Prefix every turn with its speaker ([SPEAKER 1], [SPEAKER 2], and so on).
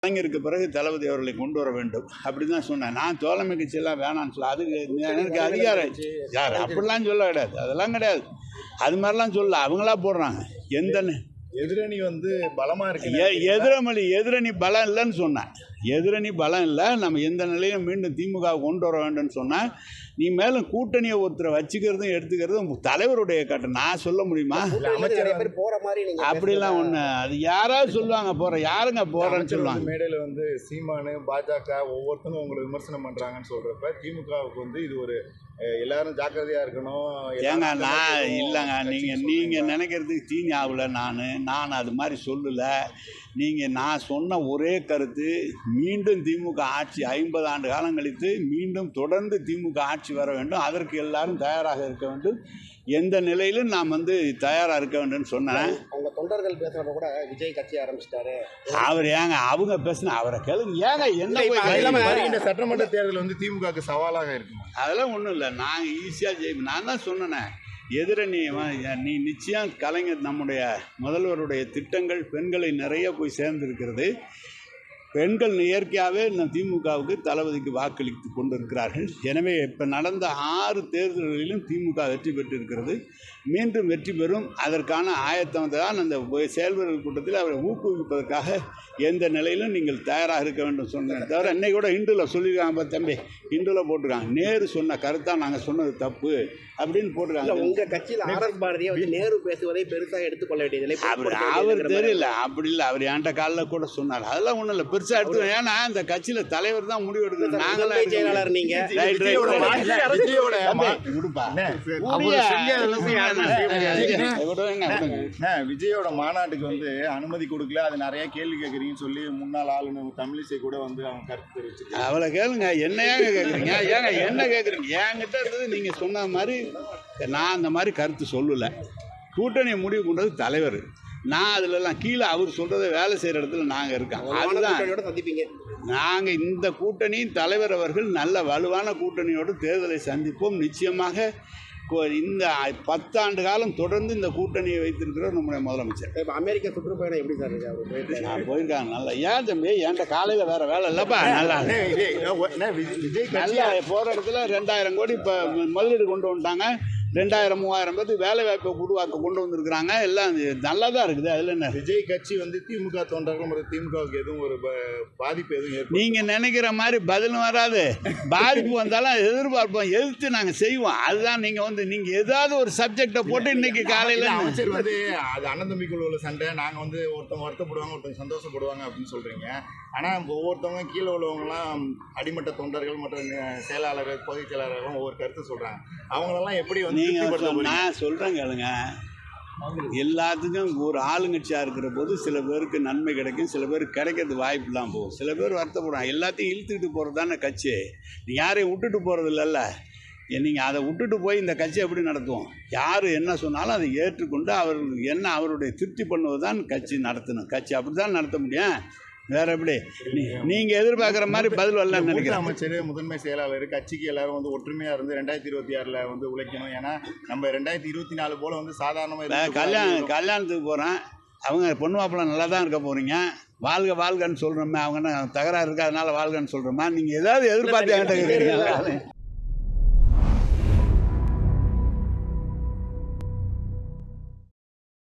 [SPEAKER 1] கலைஞருக்கு பிறகு தளபதி அவர்களை கொண்டு வர வேண்டும் அப்படின்னு தான் சொன்னேன். நான் தோழமை கட்சியெல்லாம் வேணான்னு சொல்ல, அதுக்கு எனக்கு அதிகாரம் யார் அப்படிலாம் சொல்ல கிடையாது, அதெல்லாம் கிடையாது. அது மாதிரிலாம் சொல்ல அவங்களா போடுறாங்க. எந்த
[SPEAKER 2] எதிரணி பலமா இருக்கு,
[SPEAKER 1] எதிரணி பலம் இல்லைன்னு சொன்னேன். எதிரணி பலம் இல்லை, நம்ம எந்த நிலையிலும் மீண்டும் திமுக கொண்டு வர வேண்டும்னு சொன்னேன். நீ மேலும் கூட்டணியை ஒருத்தரை வச்சுக்கிறதும் எடுத்துக்கிறதும் தலைவருடைய கட்டம். நான் சொல்ல முடியுமா? அப்படிலாம் ஒன்று அது யாராவது சொல்லுவாங்க போகிற, யாருங்க போகிறேன்னு சொல்லுவாங்க.
[SPEAKER 2] மேடையில் சீமானு பாஜக ஒவ்வொருத்தரும் உங்களை விமர்சனம் பண்ணுறாங்கன்னு சொல்கிறப்ப திமுகவுக்கு இது ஒரு எல்லாரும் ஜாக்கிரதையாக இருக்கணும்.
[SPEAKER 1] ஏங்க நான் இல்லைங்க, நீங்கள் நினைக்கிறதுக்கு தீனி ஆகலை. நான் அது மாதிரி சொல்லலை. நான் சொன்ன ஒரே கருத்து, மீண்டும் திமுக ஆட்சி 50 ஆண்டு காலம் கழித்து மீண்டும் தொடர்ந்து திமுக ஆட்சி வர வேண்டும், அதற்கு எல்லாரும் தயாராக இருக்க வேண்டும், எந்த நிலையிலும் நாம் தயாராக இருக்க வேண்டும்னு சொன்னேன்.
[SPEAKER 3] அவங்க தொண்டர்கள் பேசுகிறப்ப கூட விஜய் கட்சி ஆரம்பிச்சிட்டாரு.
[SPEAKER 1] அவர் ஏங்க அவங்க பேசுனா அவரை கேளுங்க. ஏங்க என்ன
[SPEAKER 2] சட்டமன்ற தேர்தல் திமுகவுக்கு சவாலாக இருக்கும்.
[SPEAKER 1] அதெல்லாம் ஒன்றும் இல்லை, நாங்கள் ஈஸியாக ஜெயிப்போம். நான் தான் சொன்னேனே, எதிரணி நீ நிச்சயம் கலைஞர் நம்முடைய முதல்வருடைய திட்டங்கள் பெண்களை நிறைய போய் சேர்ந்திருக்கிறது. பெண்கள் இயற்கையாகவே திமுகவுக்கு தளபதிக்கு வாக்களித்து கொண்டிருக்கிறார்கள். எனவே இப்போ நடந்த 6 தேர்தல்களிலும் திமுக வெற்றி பெற்றிருக்கிறது, மீண்டும் வெற்றி பெறும். அதற்கான ஆயத்தம் தான் அந்த செயல்வர்கள் கூட்டத்தில் அவரை ஊக்குவிப்பதற்காக எந்த நிலையிலும் நீங்கள் தயாராக இருக்க வேண்டும் சொன்னேன். தவிர இன்னைக்கு கூட இந்துவில் சொல்லியிருக்காங்க, தம்பி இந்துவில் போட்டிருக்காங்க, நேரு சொன்ன கருத்தாக நாங்கள் சொன்னது தப்பு அப்படின்னு போட்டிருக்காங்க.
[SPEAKER 3] உங்கள் கட்சியில் RS பாரதியை நேரு பேசுவதை பெருசாக எடுத்துக்கொள்ள வேண்டியதில்லை.
[SPEAKER 1] அவர் தெரியல, அப்படி இல்லை. அவர் என்கிட்ட காலில் கூட சொன்னார். அதெல்லாம் ஒன்றும் இல்லை, பெருசாக எடுத்து. ஏன்னா இந்த கட்சியில் தலைவர் தான் முடிவு எடுக்கணும். நாங்களாம் செயலாளர். நீங்கள்
[SPEAKER 2] விஜயோட மாநாட்டுக்கு அனுமதி கொடுக்கல, அது நிறைய கேள்வி கேட்குறீங்கன்னு சொல்லி முன்னாள் ஆளுநர் தமிழிசை கூட அவங்க கருத்து தெரிவிச்சிருக்காங்க.
[SPEAKER 1] அவளை கேளுங்க, என்னையாங்க கேட்குறீங்க? ஏங்க என்ன கேட்குறீங்க? என்கிட்ட இருந்தது நீங்கள் சொன்ன மாதிரி நான் அந்த மாதிரி கருத்து சொல்லலை. கூட்டணியை முடிவு கொண்டது தலைவர். நான் அதிலெல்லாம் கீழே அவர் சொல்கிறத வேலை செய்கிற இடத்துல நாங்கள் இருக்கோம். அதுதான்
[SPEAKER 3] சந்திப்பீங்க.
[SPEAKER 1] நாங்கள் இந்த கூட்டணி தலைவர் அவர்கள் நல்ல வலுவான கூட்டணியோடு தேர்தலை சந்திப்போம். நிச்சயமாக இந்த 10 ஆண்டு காலம் தொடர்ந்து இந்த கூட்டணியை வைத்திருக்கிறோம் நம்முடைய முதலமைச்சர்.
[SPEAKER 3] இப்போ அமெரிக்கா சுற்றுப்பயணம் எப்படி சார் இருக்கு?
[SPEAKER 1] நான் போயிருக்காங்க. நல்லா. ஏன் தம்பி என்கிட்ட காலையில் வேறு வேலை இல்லைப்பா. நல்லா நல்லா போகிற இடத்துல 2000 கோடி இப்போ முதலீடு கொண்டு வந்துட்டாங்க. 2000-3000 பேருக்கு வேலை வாய்ப்பை உருவாக்க கொண்டு வந்திருக்கிறாங்க. எல்லாம் நல்லா தான் இருக்குது. அதில் என்ன
[SPEAKER 2] விஜய் கட்சி திமுக தொண்டர்கள் திமுகவுக்கு எதுவும் ஒரு பாதிப்பு எதுவும்
[SPEAKER 1] நீங்கள் நினைக்கிற மாதிரி பதிலும் வராது. பாதிப்பு வந்தாலும் எதிர்பார்ப்போம், எதிர்த்து நாங்கள் செய்வோம். அதுதான் நீங்கள் ஏதாவது ஒரு சப்ஜெக்டை போட்டு இன்னைக்கு காலையில்
[SPEAKER 2] அமைச்சர் அது அண்ணன் தம்பிக்குள்ள உள்ள சண்டை, நாங்கள் ஒருத்தவங்க வருத்தப்படுவாங்க, ஒருத்தவங்க சந்தோஷப்படுவாங்க அப்படின்னு சொல்கிறீங்க. ஆனால் ஒவ்வொருத்தவங்க கீழே உள்ளவங்கலாம் அடிமட்ட தொண்டர்கள் மற்றும் செயலாளர்கள் பொதுச் செயலாளர்களும் ஒவ்வொரு கருத்து சொல்கிறாங்க. அவங்களெல்லாம் எப்படி
[SPEAKER 1] நான் சொல்கிறேன் கேளுங்க, எல்லாத்துக்கும் ஒரு ஆளுங்கட்சியாக இருக்கிற போது சில பேருக்கு நன்மை கிடைக்கும், சில பேருக்கு கிடைக்கிறது வாய்ப்பு இல்லாமல் போகும், சில பேர் வருத்தப்படுவாங்க. எல்லாத்தையும் இழுத்துக்கிட்டு போகிறது தானே கட்சி. யாரையும் விட்டுட்டு போகிறது இல்லைல்ல. நீங்கள் அதை விட்டுட்டு போய் இந்த கட்சி எப்படி நடத்துவோம்? யார் என்ன சொன்னாலும் அதை ஏற்றுக்கொண்டு அவருடைய திருப்தி பண்ணுவது தான் கட்சி நடத்தணும். கட்சி அப்படி தான் நடத்த முடியும். வேற எப்படி நீங்க எதிர்பார்க்குற மாதிரி பதில் வரல நினைக்கிறேன்.
[SPEAKER 2] அமைச்சர் முதன்மை செயலாளர் கட்சிக்கு எல்லாரும் ஒற்றுமையா இருந்து 2026 உழைக்கணும். ஏன்னா நம்ம 2024 போல சாதாரணமாக
[SPEAKER 1] கல்யாணத்துக்கு போகிறேன், அவங்க பொண்ணு மாப்பிள்ளை நல்லா தான் இருக்க போகிறீங்க, வாழ்க வாழ்கன்னு சொல்கிறோமே, அவங்க தகராறு இருக்கா அதனால வாழ்கன்னு சொல்கிறோமா? நீங்கள் ஏதாவது எதிர்பார்த்து என்கிட்ட கேட்குறீங்களா?